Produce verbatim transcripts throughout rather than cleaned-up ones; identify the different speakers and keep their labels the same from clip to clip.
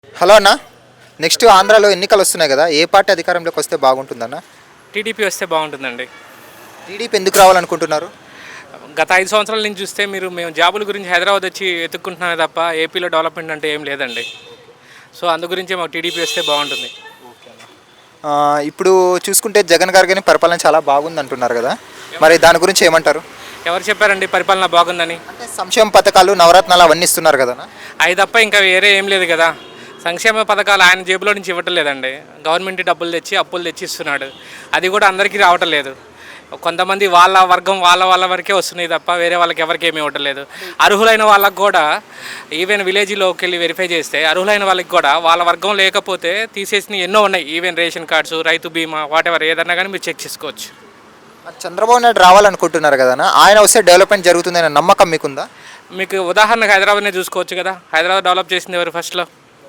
Speaker 1: Hello అన్న. Next ఆంధ్రాలో ఎన్నికలు వస్తున్నాయి కదా, ఏ పార్టీ అధికారంలోకి వస్తే బాగుంటుందన్న?
Speaker 2: టీడీపీ వస్తే బాగుంటుందండి.
Speaker 1: టీడీపీ ఎందుకు రావాలనుకుంటున్నారు?
Speaker 2: గత ఐదు సంవత్సరాల నుంచి చూస్తే మీరు మేము జాబుల గురించి హైదరాబాద్ వచ్చి వెతుక్కుంటున్నామే తప్ప ఏపీలో డెవలప్మెంట్ అంటే ఏం లేదండి. సో అందు గురించే మాకు టీడీపీ వస్తే బాగుంటుంది.
Speaker 1: ఆ, ఇప్పుడు చూసుకుంటే జగన్ గారు కానీ పరిపాలన చాలా బాగుంది అంటున్నారు కదా, మరి దాని గురించి ఏమంటారు?
Speaker 2: ఎవరు చెప్పారండి పరిపాలన బాగుందని?
Speaker 1: అంటే సంక్షేమ పథకాలు, నవరత్నాలు అవన్నీ ఇస్తున్నారు కదా.
Speaker 2: అవి తప్ప ఇంకా వేరే ఏం లేదు కదా. సంక్షేమ పథకాలు ఆయన జేబులో నుంచి ఇవ్వటం లేదండి. గవర్నమెంట్ డబ్బులు తెచ్చి అప్పులు తెచ్చి ఇస్తున్నాడు. అది కూడా అందరికీ రావటం లేదు. కొంతమంది వాళ్ళ వర్గం వాళ్ళ వాళ్ళ వరకే వస్తున్నాయి తప్ప వేరే వాళ్ళకి ఎవరికి ఏమి ఇవ్వటం లేదు. అర్హులైన వాళ్ళకి కూడా ఈవెన్ విలేజ్లోకి వెళ్ళి వెరిఫై చేస్తే అర్హులైన వాళ్ళకి కూడా వాళ్ళ వర్గం లేకపోతే తీసేసిన ఎన్నో ఉన్నాయి. ఈవెన్ రేషన్ కార్డ్స్, రైతు బీమా, వాట్ ఎవర్ ఏదన్నా కానీ మీరు చెక్ చేసుకోవచ్చు.
Speaker 1: మరి చంద్రబాబు నాయుడు రావాలనుకుంటున్నారు కదా, ఆయన వస్తే డెవలప్మెంట్ జరుగుతుందనే నమ్మకం మీకుందా?
Speaker 2: మీకు ఉదాహరణకు హైదరాబాద్నే చూసుకోవచ్చు కదా. హైదరాబాద్ డెవలప్ చేసింది ఎవరు ఫస్ట్లో?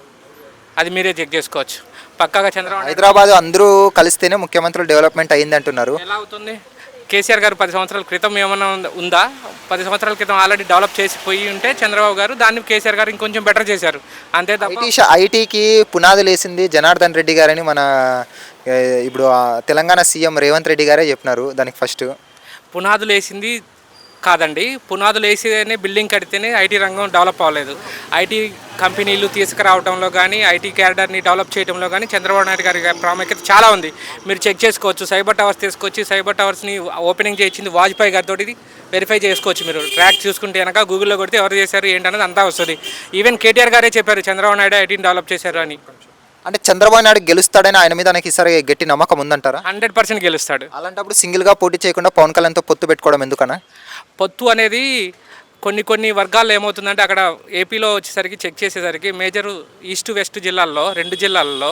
Speaker 2: అది మీరే చెక్ చేసుకోవచ్చు. పక్కాగా చంద్రబాబు
Speaker 1: హైదరాబాద్ అందరూ కలిస్తేనే ముఖ్యమంత్రులు డెవలప్మెంట్ అయింది అంటున్నారు.
Speaker 2: ఎలా అవుతుంది? కేసీఆర్ గారు పది సంవత్సరాల క్రితం ఏమైనా ఉందా? పది సంవత్సరాల క్రితం ఆల్రెడీ డెవలప్ చేసిపోయి ఉంటే చంద్రబాబు గారు దాన్ని కేసీఆర్ గారు ఇంకొంచెం బెటర్ చేశారు. అంతే తప్ప
Speaker 1: ఐటీ షా ఐటీకి పునాదులు వేసింది జనార్దన్ రెడ్డి గారని మన ఏ, ఇప్పుడు ఆ తెలంగాణ సీఎం రేవంత్ రెడ్డి గారే చెప్పినారు దానికి ఫస్ట్.
Speaker 2: పునాదులు వేసింది కాదండి. పునాదులు వేసినే బిల్డింగ్ కడితేనే ఐటీ రంగం డెవలప్ అవ్వలేదు. ఐటీ కంపెనీలు తీసుకురావడంలో కానీ ఐటీ క్యాడర్ని డెవలప్ చేయడంలో కానీ చంద్రబాబు నాయుడు గారి ప్రాముఖ్యత చాలా ఉంది. మీరు చెక్ చేసుకోవచ్చు. సైబర్ టవర్స్ తీసుకొచ్చి సైబర్ టవర్స్ని ఓపెనింగ్ చేయించింది వాజ్పేయి గారితో. వెరిఫై చేసుకోవచ్చు. మీరు ట్రాక్ చూసుకుంటే కనుక గూగుల్లో కొడితే ఎవరు చేశారు ఏంటనేది అంతా వస్తుంది. ఈవెన్ కేటీఆర్ గారే చెప్పారు చంద్రబాబు నాయుడు ఐటీని డెవలప్ చేశారు అని.
Speaker 1: అంటే చంద్రబాబు నాయుడు గెలుస్తాడని ఆయన మీద నాకు ఈసారి గట్టి నమ్మకం ఉందంటారా?
Speaker 2: హండ్రెడ్ పర్సెంట్ గెలుస్తాడు.
Speaker 1: అలాంటప్పుడు సింగిల్గా పోటీ చేయకుండా పవన్ కళ్యాణ్తో పొత్తు పెట్టుకోవడం ఎందుకన్నా?
Speaker 2: పొత్తు అనేది కొన్ని కొన్ని వర్గాల్లో ఏమవుతుందంటే అక్కడ ఏపీలో వచ్చేసరికి చెక్ చేసేసరికి మేజర్ ఈస్ట్ వెస్ట్ జిల్లాల్లో రెండు జిల్లాల్లో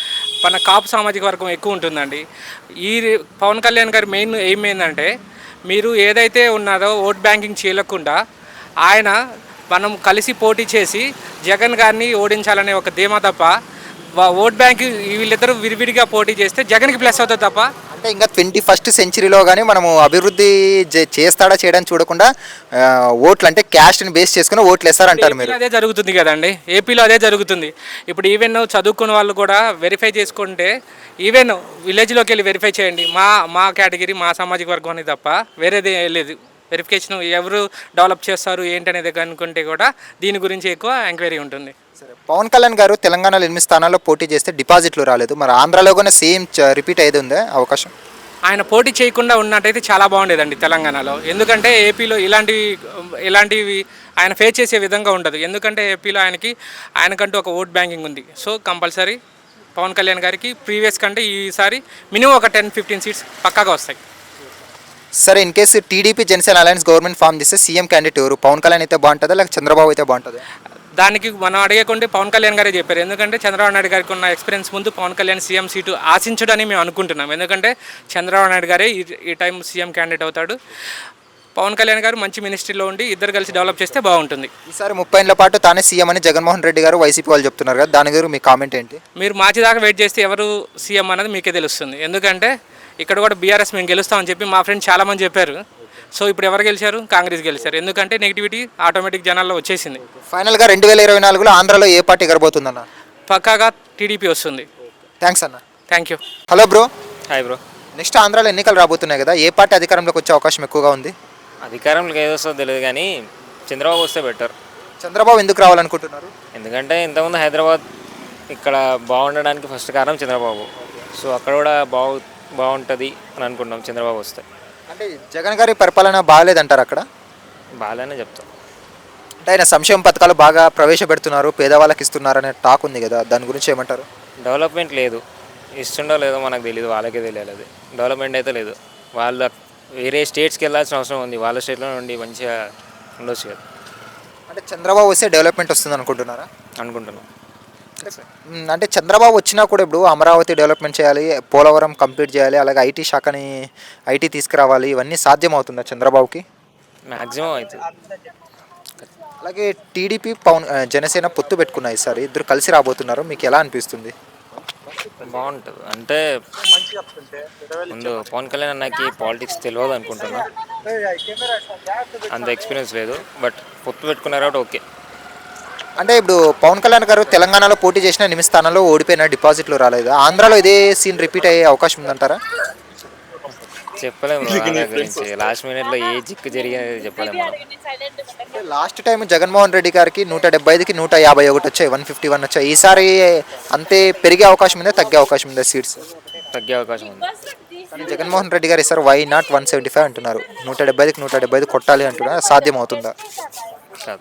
Speaker 2: మన కాపు సామాజిక వర్గం ఎక్కువ ఉంటుందండి. ఈ పవన్ కళ్యాణ్ గారి మెయిన్ ఎయిమ్ ఏంటంటే మీరు ఏదైతే ఉన్నదో ఓట్ బ్యాంకింగ్ చేయకుండా ఆయన మనం కలిసి పోటీ చేసి జగన్ గారిని ఓడించాలనే ఒక ధీమా తప్ప ఓట్ బ్యాంక్ వీళ్ళిద్దరూ విరివిడిగా పోటీ చేస్తే జగన్కి ప్లస్ అవుతుంది తప్ప.
Speaker 1: అంటే ఇంకా ట్వంటీ ఫస్ట్ సెంచరీలో కానీ మనము అభివృద్ధి చే- చేస్తాడా చేయడానికి చూడకుండా ఆ, ఓట్లు అంటే క్యాస్ట్ని బేస్ చేసుకుని ఓట్లు వేస్తారంటారు మీరు.
Speaker 2: ఏపీలో అదే జరుగుతుంది కదండి. ఏపీలో అదే జరుగుతుంది. ఇప్పుడు ఈవెన్ చదువుకున్న వాళ్ళు కూడా వెరిఫై చేసుకుంటే ఈవెన్ విలేజ్లోకి వెళ్ళి వెరిఫై చేయండి. మా మా కేటగిరీ మా సామాజిక వర్గం అనేది తప్ప వేరేది లేదు. వెరిఫికేషన్ ఎవరు డెవలప్ చేస్తారు ఏంటనేది అనుకుంటే కూడా దీని గురించి ఎక్కువ ఎంక్వైరీ ఉంటుంది.
Speaker 1: సరే, పవన్ కళ్యాణ్ గారు తెలంగాణలో ఎనిమిది స్థానాల్లో పోటీ చేస్తే డిపాజిట్లు రాలేదు, మరి ఆంధ్రాలో కూడా సేమ్ రిపీట్ అయ్యేది ఉందే అవకాశం?
Speaker 2: ఆయన పోటీ చేయకుండా ఉన్నట్టయితే చాలా బాగుండేదండి తెలంగాణలో. ఎందుకంటే ఏపీలో ఇలాంటివి ఇలాంటివి ఆయన ఫేస్ చేసే విధంగా ఉండదు. ఎందుకంటే ఏపీలో ఆయనకి ఆయనకంటూ ఒక ఓట్ బ్యాంకింగ్ ఉంది. సో కంపల్సరీ పవన్ కళ్యాణ్ గారికి ప్రీవియస్ కంటే ఈసారి మినిమం ఒక టెన్ ఫిఫ్టీన్ సీట్స్ పక్కాగా వస్తాయి.
Speaker 1: సరే, in case TDP Janasena alliance government form చేస్తే సీఎం క్యాండిడేట్ ఎవరు? పవన్ కళ్యాణ్ అయితే బాగుంటుందా లేక చంద్రబాబు అయితే బాగుంటుందా?
Speaker 2: దానికి మనం అడిగేకుంటే పవన్ కళ్యాణ్ గారే చెప్పారు. ఎందుకంటే చంద్రబాబు నాయుడు గారికి ఉన్న ఎక్స్పీరియన్స్ ముందు పవన్ కళ్యాణ్ సీఎం సీటు ఆశించడని మేము అనుకుంటున్నాం. ఎందుకంటే చంద్రబాబు నాయుడు గారే ఈ ఈ టైం సీఎం క్యాండిడేట్ అవుతాడు. పవన్ కళ్యాణ్ గారు మంచి మినిస్ట్రీలో ఉండి ఇద్దరు కలిసి డెవలప్ చేస్తే బాగుంటుంది.
Speaker 1: ఈసారి ముప్పై ఏళ్ల పాటు తానే సీఎం అని జగన్మోహన్ రెడ్డి గారు వైసీపీ వాళ్ళు చెప్తున్నారు కదా, దాని గురించి మీ కామెంట్ ఏంటి?
Speaker 2: మీరు మార్చి దాకా వెయిట్ చేస్తే ఎవరు సీఎం అనేది మీకే తెలుస్తుంది. ఎందుకంటే ఇక్కడ కూడా బీఆర్ఎస్ మేము గెలుస్తామని చెప్పి మా ఫ్రెండ్స్ చాలామంది చెప్పారు. సో ఇప్పుడు ఎవరు గెలిచారు? కాంగ్రెస్ గెలిచారు. ఎందుకంటే నెగిటివిటీ ఆటోమేటిక్ జనాల్లో వచ్చేసింది.
Speaker 1: ఫైనల్గా రెండు వేల ఇరవై నాలుగులో ఆంధ్రాలో ఏ పార్టీ గెలబోతుందన్న?
Speaker 2: పక్కాగా టీడీపీ వస్తుంది.
Speaker 1: థ్యాంక్స్ అన్న.
Speaker 2: Thank you.
Speaker 1: Hello bro.
Speaker 3: Hi bro.
Speaker 1: Next ఆంధ్రాలో ఎన్నికలు రాబోతున్నాయి కదా, ఏ పార్టీ అధికారంలోకి వచ్చే అవకాశం ఎక్కువగా ఉంది?
Speaker 3: అధికారంలోకి ఏదో వస్తుందో తెలియదు కానీ చంద్రబాబు వస్తే బెటర్.
Speaker 1: చంద్రబాబు ఎందుకు రావాలనుకుంటున్నారు?
Speaker 3: ఎందుకంటే ఇంతకుముందు హైదరాబాద్ ఇక్కడ బాగుండడానికి ఫస్ట్ కారణం చంద్రబాబు. సో అక్కడ కూడా బాగు బాగుంటుంది అని అనుకుంటున్నాం చంద్రబాబు వస్తే.
Speaker 1: అంటే జగన్ గారి పరిపాలన బాగాలేదంటారు అక్కడ?
Speaker 3: బాగానే చెప్తాం.
Speaker 1: అంటే ఆయన సంక్షేమ పథకాలు బాగా ప్రవేశపెడుతున్నారు, పేదవాళ్ళకి ఇస్తున్నారు అనే టాక్ ఉంది కదా, దాని గురించి ఏమంటారు?
Speaker 3: డెవలప్మెంట్ లేదు. ఇస్తుండో లేదో మనకు తెలియదు, వాళ్ళకే తెలియాలి. అది డెవలప్మెంట్ అయితే లేదు. వాళ్ళ వేరే స్టేట్స్కి వెళ్ళాల్సిన అవసరం ఉంది. వాళ్ళ స్టేట్లో నుండి మంచిగా ఉండొచ్చు కదా.
Speaker 1: అంటే చంద్రబాబు వస్తే డెవలప్మెంట్ వస్తుంది అనుకుంటున్నారా?
Speaker 3: అనుకుంటున్నాం.
Speaker 1: మ్, అంటే చంద్రబాబు వచ్చినా కూడా ఇప్పుడు అమరావతి డెవలప్మెంట్ చేయాలి, పోలవరం కంప్లీట్ చేయాలి, అలాగే ఐటీ శాఖని ఐటీ తీసుకురావాలి, ఇవన్నీ సాధ్యమవుతుందా చంద్రబాబుకి?
Speaker 3: మ్యాక్సిమం అవుతుంది.
Speaker 1: అలాగే టీడీపీ పవన్ ఆ, జనసేన పొత్తు పెట్టుకున్నాయి సార్, ఇద్దరు కలిసి రాబోతున్నారు, మీకు ఎలా అనిపిస్తుంది?
Speaker 3: బాగుంటుంది. అంటే ముందు పవన్ కళ్యాణ్ అన్నకి పాలిటిక్స్ తెలియదు అనుకుంటున్నా, అంత ఎక్స్పీరియన్స్ లేదు. బట్ పొత్తు పెట్టుకున్నారు కాబట్టి ఓకే.
Speaker 1: అంటే ఇప్పుడు పవన్ కళ్యాణ్ గారు తెలంగాణలో పోటీ చేసిన ఎనిమిది స్థానాల్లో ఓడిపోయిన డిపాజిట్లు రాలేదు. ఆంధ్రాలో ఇదే సీన్ రిపీట్ అయ్యే అవకాశం ఉందంటారా?
Speaker 3: చెప్పలేము వాళ్ళ గురించి. లాస్ట్ మినిట్లో ఏ జిక్కు జరిగినది చెప్పలేము మనం.
Speaker 1: లాస్ట్ టైం జగన్మోహన్ రెడ్డి గారికి నూట డెబ్బై ఐదుకి నూట యాభై ఒకటి వచ్చాయి, వన్ ఫిఫ్టీ వన్ వచ్చాయి. ఈసారి అంతే పెరిగే అవకాశం ఉందా, తగ్గే అవకాశం ఉందా సీట్స్?
Speaker 3: తగ్గే అవకాశం ఉంది.
Speaker 1: కానీ జగన్మోహన్ రెడ్డి గారు ఈసారి why not one seventy five అంటున్నారు. నూట డెబ్బై ఐదుకి నూట డెబ్బై ఐదు కొట్టాలి అంటున్నారు. సాధ్యం అవుతుందా?
Speaker 3: కాదు.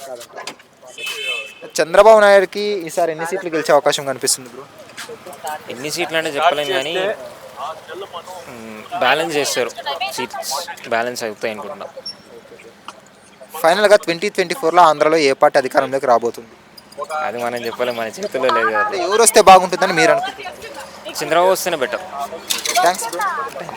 Speaker 1: చంద్రబాబు నాయుడుకి ఈసారి ఎన్ని సీట్లు గెలిచే అవకాశం కనిపిస్తుంది బ్రో?
Speaker 3: ఎన్ని సీట్లు అంటే చెప్పలేము కానీ బ్యాలెన్స్ చేస్తారు. సీట్స్ బ్యాలెన్స్ అవుతాయి అనుకుంటున్నా.
Speaker 1: ఫైనల్గా ట్వంటీ ట్వంటీ ఫోర్లో ఆంధ్రాలో ఏ పార్టీ అధికారంలోకి రాబోతుంది?
Speaker 3: అది మనం చెప్పలేము, మన చేతుల్లో లేదు కదా.
Speaker 1: అంటే ఎవరు వస్తే బాగుంటుందని మీరు అనుకుంటున్నారు?
Speaker 3: చంద్రబాబు వస్తేనే బెటర్.
Speaker 1: Thanks bro.